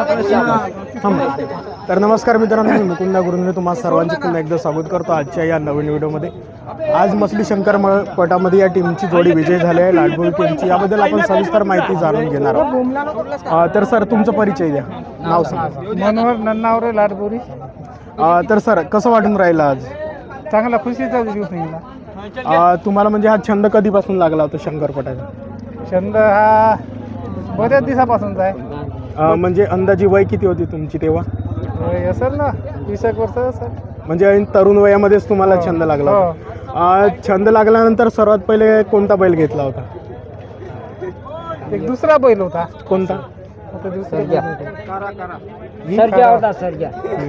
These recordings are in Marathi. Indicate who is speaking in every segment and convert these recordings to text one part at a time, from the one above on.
Speaker 1: तर नमस्कार मित्रांनो, मी मुकुंदा गुरुंद्रे तुम्हा सर्वांचे पुन्हा एकदा स्वागत करतो आजच्या या नवीन व्हिडिओमध्ये। आज मसली शंकर पटामध्ये या टीमची जोडी विजय झाली आहे, लाडबोरी टीमची। याबद्दल आपण सविस्तर माहिती जाणून घेणार आहोत। तर सर तुमचा परिचय द्या, नाव सांगा।
Speaker 2: मनोहर नन्नावरे, लाडबोरी।
Speaker 1: तर सर कसं वाटून राहिलं आज?
Speaker 2: चांगला खुशीचा दिवस निघाला।
Speaker 1: तुम्हाला म्हणजे हा छंद कधीपासून लागला होता शंकरपटाचा?
Speaker 2: छंद हा बऱ्याच दिवसापासूनचा आहे।
Speaker 1: म्हणजे अंदाजी वय किती होती तुमची तेव्हा?
Speaker 2: असेल ना 20 वर्ष असेल।
Speaker 1: म्हणजे तरुण वयामध्येच तुम्हाला छंद लागला होता? छंद लागल्यानंतर सर्वात पहिले कोणता बैल घेतला होता?
Speaker 2: एक दुसरा बैल होता।
Speaker 1: कोणता?
Speaker 2: आता दुसरा बैल
Speaker 3: सर्जा होता, सर्जा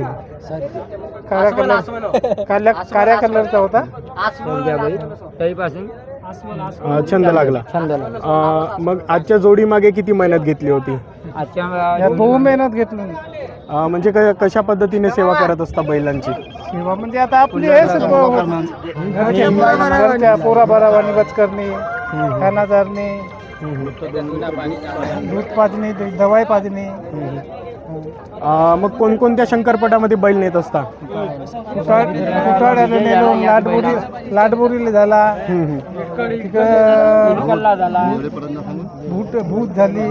Speaker 2: काळ्या कलरचा होता।
Speaker 3: सर्जा बैल तरीपासून
Speaker 1: छंद लागला। मग आजच्या जोडी मागे किती मेहनत घेतली होती?
Speaker 2: आजच्या बहु मेहनत घेतली।
Speaker 1: म्हणजे कशा पद्धतीने सेवा करत असता बैलांची?
Speaker 2: सेवा म्हणजे आता आपली घरच्या पोरा बरावानी बच करणे, खाना चारणे, दूध पाजणे, दवाई पाजणे।
Speaker 1: मग कोणकोणत्या शंकरपटामध्ये बैल नेत असता?
Speaker 2: कुटाळ्याला नेलो, लाडबोरीला झाला, भूत झाली।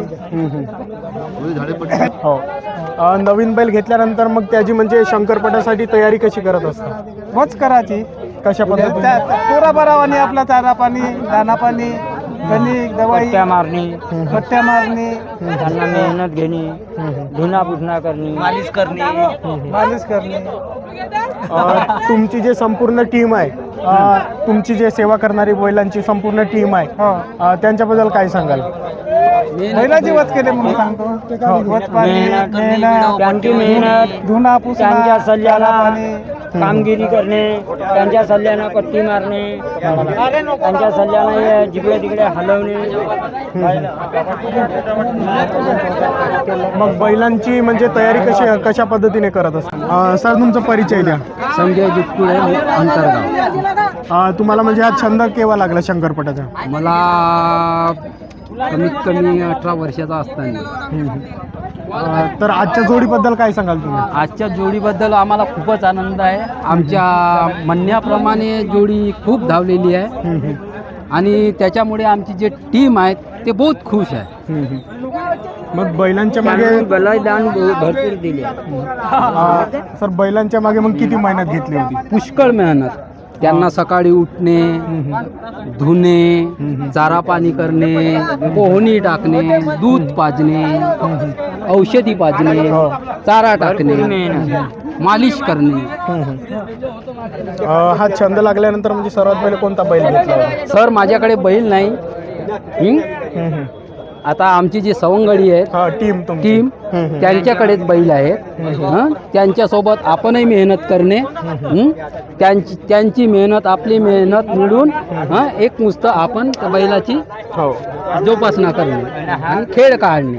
Speaker 1: हो। नवीन बैल घेतल्यानंतर मग त्याची म्हणजे शंकरपटासाठी तयारी कशी करत असता?
Speaker 2: वच करायची
Speaker 1: कशा पद्धतीने?
Speaker 2: पोरा बरावानी आपला चारा पाणी, दाना पाणी, गणिक, दवाई
Speaker 3: मारणे,
Speaker 2: पट्ट्या मारणे,
Speaker 3: त्यांना मेहनत घेणे, धुना पुसना करणे, मालिश करणे।
Speaker 1: तुमची जे संपूर्ण टीम आहे, तुमची जे सेवा करणारी बैलांची संपूर्ण टीम आहे, त्यांच्याबद्दल काय सांगाल?
Speaker 2: बैलाची वच केले म्हणून सांगतो। वच पाणी,
Speaker 3: त्यांची मेहनत,
Speaker 2: धुना पुसना,
Speaker 3: त्यांच्या सल्ल्याला कामगिरी करणे, त्यांच्या सल्ल्यानं पट्टी मारणे, त्यांच्या सल्ल्यानं जिकडे तिकडे हलवणे।
Speaker 1: मग बैलांची म्हणजे तयारी कशा पद्धतीने करत असता? सर तुमचा परिचय द्या।
Speaker 3: संजय दुधकुळे, अंतरगाव।
Speaker 1: तुम्हाला म्हणजे हा छंद केव्हा लागला शंकरपटाचा?
Speaker 3: मला कमीत कमी 18 वर्षाचा असताना।
Speaker 1: तर आजच्या जोडीबद्दल काय सांगाल तुम्ही?
Speaker 3: आजच्या जोडीबद्दल आम्हाला खूपच आनंद आहे। आमच्या म्हणण्याप्रमाणे जोडी खूप धावलेली आहे आणि त्याच्यामुळे आमची जे टीम आहे ते बहुत खुश आहे।
Speaker 1: मग बैलांच्या मागे
Speaker 3: बलिदान भरपूर दिले।
Speaker 1: सर बैलांच्या मागे मग किती मेहनत घेतली होती?
Speaker 3: पुष्कळ मेहनत। त्यांना सकाळी उठणे, धुणे, चारा पाणी करणे, पोहणी टाकणे, दूध पाजणे, औषधी पाजणे, चारा टाकणे, मालिश करणे।
Speaker 1: हा छंद लागल्यानंतर म्हणजे सर्वात पहिले कोणता बैल घेतला होता?
Speaker 3: सर माझ्याकडे बैल नाही। आता आमची जी सवंगडी आहे टीम त्यांच्याकडेच बैल आहेत। त्यांच्यासोबत आपणही मेहनत करणे, त्यांची मेहनत आपली मेहनत मिळून एक नुसतं आपण त्या बैलाची जोपासना करणे आणि खेळ काढणे।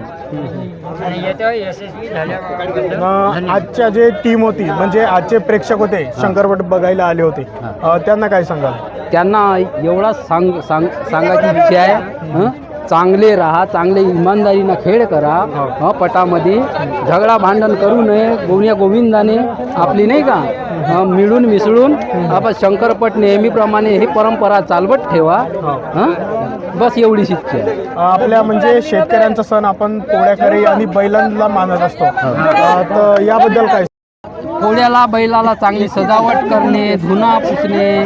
Speaker 1: आजच्या जे टीम होती म्हणजे आजचे प्रेक्षक होते, शंकरपट बघायला आले होते, त्यांना काय सांगाल?
Speaker 3: त्यांना एवढा सांगायची इच्छा आहे, चांगले राहा, चांगले इमानदारीनं खेळ करा। पटामध्ये झगडा भांडण करू नये। गोविंदाने आपली नाही का मिळून मिसळून आपण शंकरपट नेहमीप्रमाणे ही परंपरा चालवत ठेवा। बस एवढीच इच्छा आहे।
Speaker 1: आपल्या म्हणजे शेतकऱ्यांचा सण आपण पोळ्याकरी आणि बैलांना मानत असतो, तर याबद्दल काय?
Speaker 3: पोळ्याला बैलाला चांगली सजावट करणे, धुना पुसणे,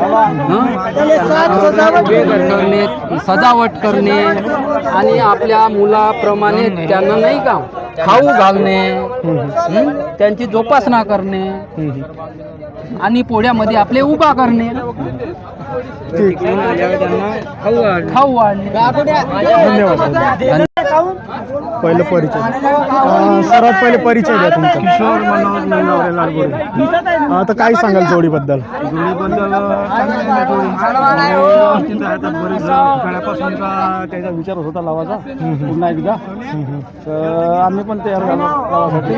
Speaker 3: सजावट करणे आणि आपल्या मुलाप्रमाणे त्यांना नाही का खाऊ घालणे, त्यांची जोपासना करणे आणि पोळ्यामध्ये आपले उभा करणे, खाऊ वाढणे।
Speaker 1: धन्यवाद। पहिलं परिचय, सर्वात पहिले परिचय द्या तुमचा।
Speaker 2: किशोर मनोहर नन्नावरे, लाडबोरी।
Speaker 1: आता काय सांगाल जोडीबद्दल?
Speaker 2: खेळापासून त्याचा विचार होता लावायचा पुन्हा एकदा, तर आम्ही पण तयार झालो लावासाठी।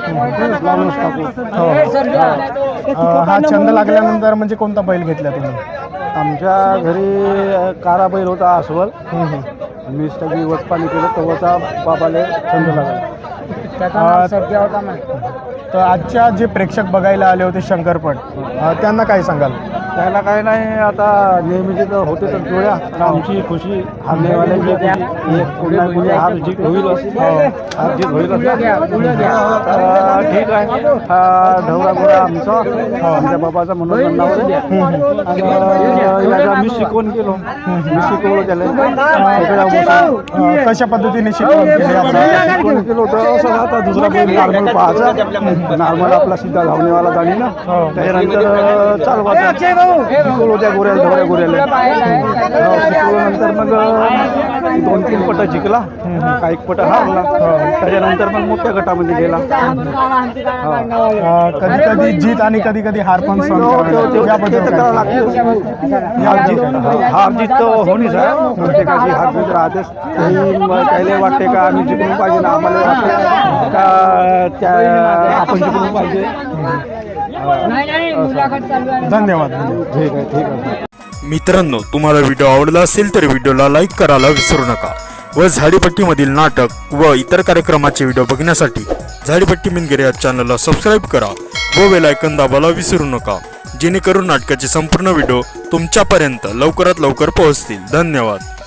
Speaker 1: हा छंद लागल्यानंतर म्हणजे कोणता बैल घेतला तुम्ही?
Speaker 2: आमच्या घरी कारा बैल होता अस्वल। मी सगळी वचपाणी केलं तेव्हाचा बाबाला छंद लागला।
Speaker 1: तर आजच्या जे प्रेक्षक बघायला आले होते शंकरपट त्यांना काय सांगाल?
Speaker 2: त्याला काही नाही, आता नेहमीचे तर होते तर जोड्या, आणि आमची खुशी हारण्यावाल्यांची खुशी, पुन्हा पुढे हार जीत होईल हार जीत होईल ठीक आहे. हा ढवळा गोळा आमचा आमच्या बाबाचा म्हणून नाव मी शिकवण केलो, मी शिकवलं त्याला
Speaker 1: कशा पद्धतीने शिकवण केली आपण?
Speaker 2: शिकवण केलं होतं असं. आता दुसरा बैल नॉर्मल पाहायचा, नॉर्मल आपला सीधा धावणेवाला गाडी ना, त्याच्यानंतर चालवायचा शिकवलो त्या गोऱ्याला, ढवळ्या गोऱ्याला शिकवल्यानंतर मग 2-3 पट जिंकला, काही पट हारला, त्याच्यानंतर मग मोठ्या गटामध्ये गेला.
Speaker 1: कधी कधी जीत आणि कधी कधी हार पण
Speaker 2: हार जीत तर होणीच आहे, प्रत्येकाची हार जीत राहतेच. त्याला वाटते का आम्ही जिंकून पाहिजे ना, आम्हाला वाटते का त्या आपण जिंकून पाहिजे.
Speaker 1: धन्यवाद.
Speaker 2: ठीक आहे, ठीक आहे.
Speaker 4: मित्रांनो, तुम्हाला व्हिडिओ आवडला असेल तर व्हिडिओला लाईक करायला विसरू नका व झाडीपट्टीमधील नाटक व इतर कार्यक्रमाचे व्हिडिओ बघण्यासाठी झाडीपट्टी मिनगिरे या चॅनलला सबस्क्राईब करा व बेल आयकॉन दाबायला विसरू नका, जेणेकरून नाटकाचे संपूर्ण व्हिडिओ तुमच्यापर्यंत लवकरात लवकर पोहोचतील. धन्यवाद.